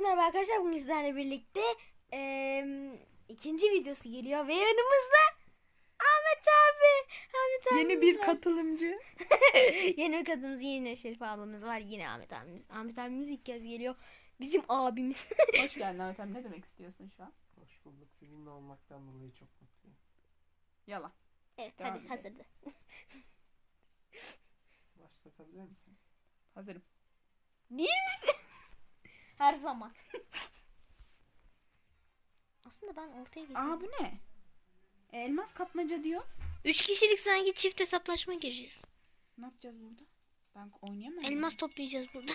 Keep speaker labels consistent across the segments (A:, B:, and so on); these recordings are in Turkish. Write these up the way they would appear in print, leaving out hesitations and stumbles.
A: merhaba arkadaşlar. Bugün sizlerle birlikte ikinci videosu geliyor ve yanımızda Ahmet abi.
B: Yeni bir katılımcı.
A: Yeni bir katılımız, yine Şerif ablamız var. Yine Ahmet abimiz. Ahmet abimiz ilk kez geliyor. Bizim abimiz.
B: Hoş geldin Ahmet abi. Ne demek istiyorsun şu an?
C: Hoş bulduk. Sizinle olmaktan dolayı çok mutluyum.
B: Yalan.
A: Evet,
B: Devam
A: hadi
B: edelim.
A: hazırdı.
C: Başlatabilir misiniz?
B: Hazırım.
A: Değil misin? Her zaman. Aslında ben ortaya geçeyim.
B: Aa, bu ne? Elmas kapmaca diyor.
A: 3 kişilik sanki çift hesaplaşma gireceğiz.
B: Ne yapacağız burada? Ben oynayamam.
A: Elmas toplayacağız burada.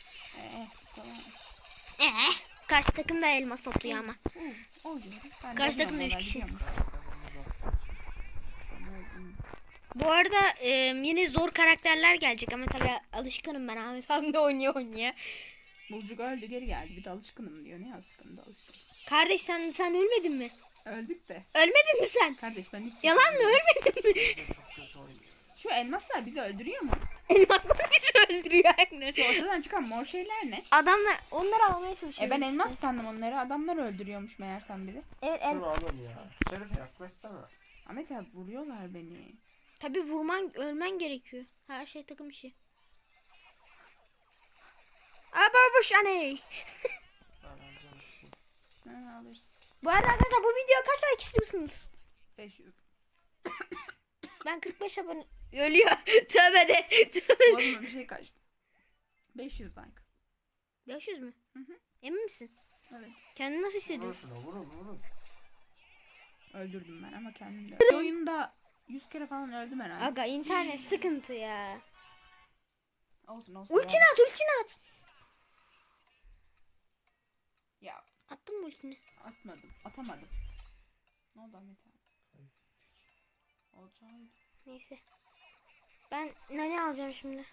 B: Kolay.
A: Karşı takım da elmas topluyor ama.
B: Oluyor.
A: Karşı takım da 3 kişi. Bu arada yine zor karakterler gelecek ama tabii alışkınım ben Ahmet abimle oynaya.
B: Bulcuk öldü, geri geldi. Bir de alışkınım diyor. Ne alışkınım da alışkınım.
A: Kardeş sen ölmedin mi?
B: Öldük de.
A: Ölmedin mi sen?
B: Kardeş ben hiç...
A: Yalan mı, ölmedin mi?
C: Çok kötü oynuyor.
B: Şu elmaslar bizi öldürüyor mu?
A: Elmaslar bizi öldürüyor Agnes.
B: Şu ortadan çıkan mor şeyler ne?
A: Adamlar onları almaya çalışıyor.
B: Ben elmas sandım onları. Adamlar öldürüyormuş meğersem bizi.
A: Evet,
C: Dur oğlum ya. Şerife yaklaşsana.
B: Ahmet abi vuruyorlar beni.
A: tabii ölmen gerekiyor. Her şey takım işi. Ababuş aney.
C: Ben alacağım bir şey.
B: Ha, alırsın.
A: Bu arada arkadaşlar bu videoya kaç like istiyorsunuz?
B: 500.
A: Ben 45 abone... Ölüyor. Tövbe de. Tövbe.
B: Boğazıma bir şey kaçtı. 500 like.
A: 500 mü?
B: Hı hı.
A: Emin misin?
B: Evet.
A: Kendini nasıl
C: Vurun
A: hissediyorsun?
C: şuna, vurun.
B: Öldürdüm ben ama kendim de. Bir oyunda 100 kere falan öldüm herhalde.
A: Aga internet sıkıntı ya.
B: Olsun.
A: Ultini at.
B: Ya
A: Attın mı ultini?
B: atamadım. Ne oldu Ahmet abi? Olacağı.
A: Neyse. Ben ne alacağım şimdi?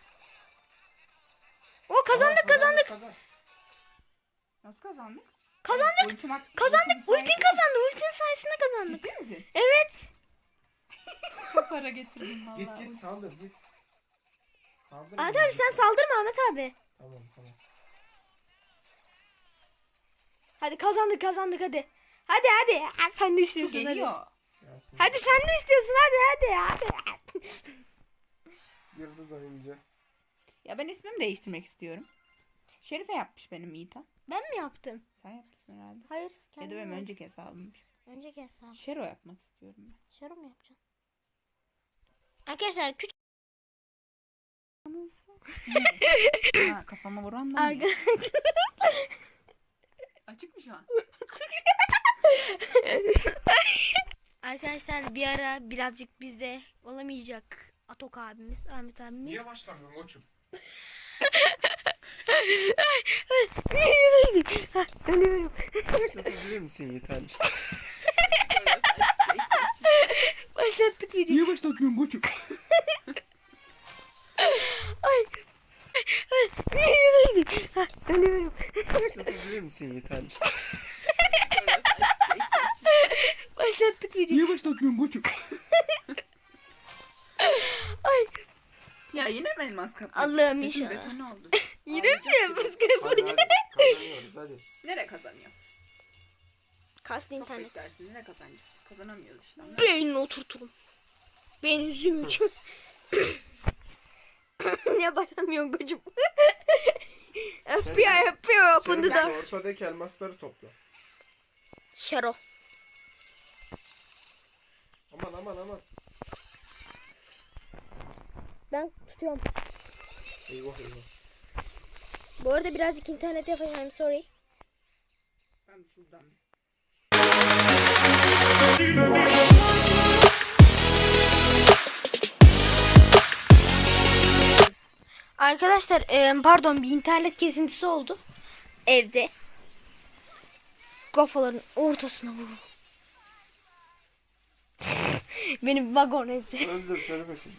A: O kazandık.
C: Kazan.
B: Nasıl kazandık?
A: Kazandık. Ultin kazandı. Ultin sayesinde kazandık.
B: Ciddi misin?
A: Evet.
B: Çok para getirdim vallahi.
C: Git saldır git. Saldır.
A: Ahmet abi sen saldırma Ahmet abi.
C: Tamam.
A: Hadi kazandık hadi. Hadi. Ha, sen ne
B: Şu
A: istiyorsun hadi.
B: geliyor.
C: Gelsin.
A: Hadi sen ne istiyorsun hadi.
C: Yıldız oyuncu.
B: Ya ben ismimi değiştirmek istiyorum. Şerife yapmış benim Yiğitan.
A: Ben mi yaptım?
B: Sen yapmışsın herhalde.
A: Hayır.
B: Ya da benim önceki hesabımmış.
A: Önceki hesabım.
B: Şero yapmak istiyorum ben.
A: Şarı mı yapacaksın? Arkadaşlar küçük
B: Ha, kafama vuran da mı?
A: arkadaşlar.
B: Açık mı şu an?
A: Arkadaşlar bir ara birazcık bizde olamayacak Atok abimiz, Ahmet abimiz.
C: Niye başlamıyorsun koçum?
A: Ölüyorum.
C: Başlatabilir misin Yiğitancı?
A: Başlattık videoyu.
C: Niye başlatmıyorsun koçum?
A: Ölüyorum.
C: Başlatabilir misin Yiğitancı?
A: Başlattık videoyu.
C: Niye başlatmıyorsun koçum?
B: Ya yine mi elmas kapı?
A: Allah'ım
B: Sesim
A: inşallah.
B: detone oldu.
A: Yine mi yapıyoruz?
C: Kazanıyoruz hadi.
B: Nereye kazanıyoruz?
A: Kast
B: Çok
A: internet.
B: beklersin. Nereye kazanacağız? Kazanamıyoruz işte.
A: Beynini oturturum. Beynin zümrüt. Niye başlamıyorsun kocuğum? FBI open the
C: Şerife
A: door.
C: ortadaki elmasları topla.
A: Şero.
C: Aman.
A: Ben tutuyorum.
C: Eyvah.
A: Bu arada birazcık internet yapacağım. Sorry.
B: Ben şuradan.
A: Arkadaşlar pardon, bir internet kesintisi oldu. Evde. Kafaların ortasına vurur. Benim vagon ezdi.
C: Öldür Şerife şunu.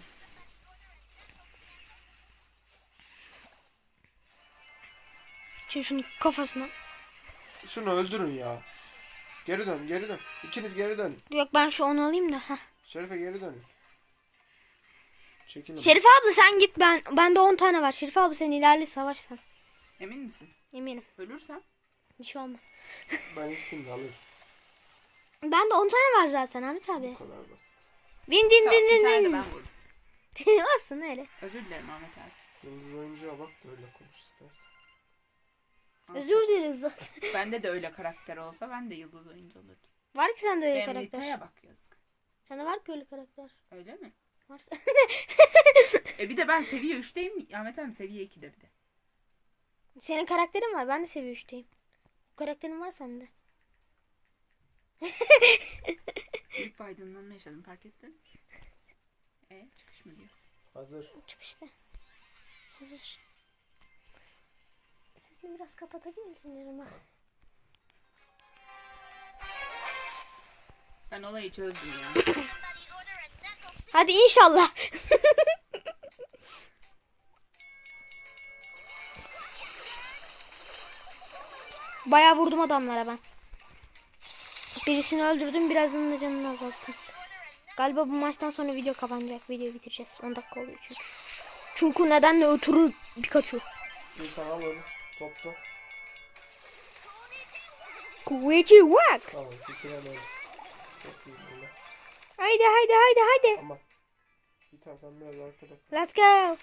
A: Şimdi şunun kafasına.
C: Şunu öldürün ya. Geri dön. İkiniz geri dön.
A: Yok, ben şu onu alayım da. Heh.
C: Şerife geri dön. Çekilin.
A: Şerife abla sen git, bende 10 tane var. Şerife abla sen ilerle, savaş sen.
B: Emin misin?
A: Eminim.
B: Ölürsem?
A: Bir şey olmaz.
C: Ben ikisini de alırım.
A: Bende 10 tane var zaten Ahmet abi.
C: Bu kadar basit.
A: Win win
B: Tamam,
A: win
B: bir tane de
A: win
B: ben
A: win.
B: vurdum.
A: Olsun öyle.
B: Özür dilerim Ahmet abi.
C: Yıldız oyuncuya bak da öyle konuş istersen.
A: Özür dileriz zaten.
B: Bende de öyle karakter olsa ben de yıldız oyuncu olurdum.
A: Var ki sende öyle
B: Benim
A: karakter.
B: Nita'ya bak yazık.
A: Sende var ki öyle karakter.
B: Öyle mi?
A: Varsa.
B: Bir de ben seviye 3'teyim. Ahmet abi seviye 2'de bir de.
A: Senin karakterin var. Ben de seviye 3'teyim. Bu karakterin var sende.
B: Büyük bir aydınlanma yaşadım, fark ettin. Çıkış mı diyor?
C: Hazır.
A: Çık işte. Hazır. Sesini biraz kapatabilir misin Irma?
B: Ben olayı çözdüm ya.
A: Hadi inşallah. Bayağı vurdum adamlara ben. Birisini öldürdüm, birazını da canını azalttım. Galiba bu maçtan sonra video kapanacak. Videoyu bitireceğiz. 10 dakika oluyor çünkü. Çünkü nedenle ötürü Pikachu.
C: Bir tane alalım. Topla.
A: Kuvveti wak.
C: Tamam şu tren öyle. Çok iyi böyle.
A: Haydi haydi haydi haydi.
C: Ama. Bir tane sen biraz arkada.
A: Let's go.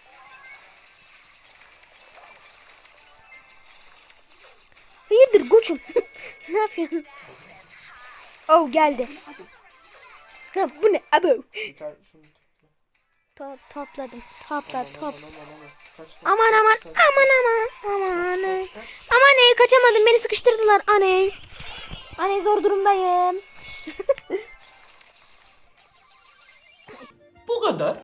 A: Hayırdır koçum? Ne yapıyorsun? Oh geldi. Ha, bu ne? Abo.
C: Bir tane şunu topla.
A: Topladım. Topla top.
C: Aman aman. Kaç
A: Aman aman aman aman aman. Aman kaçamadım, beni sıkıştırdılar anne. Anne zor durumdayım.
D: Bu kadar.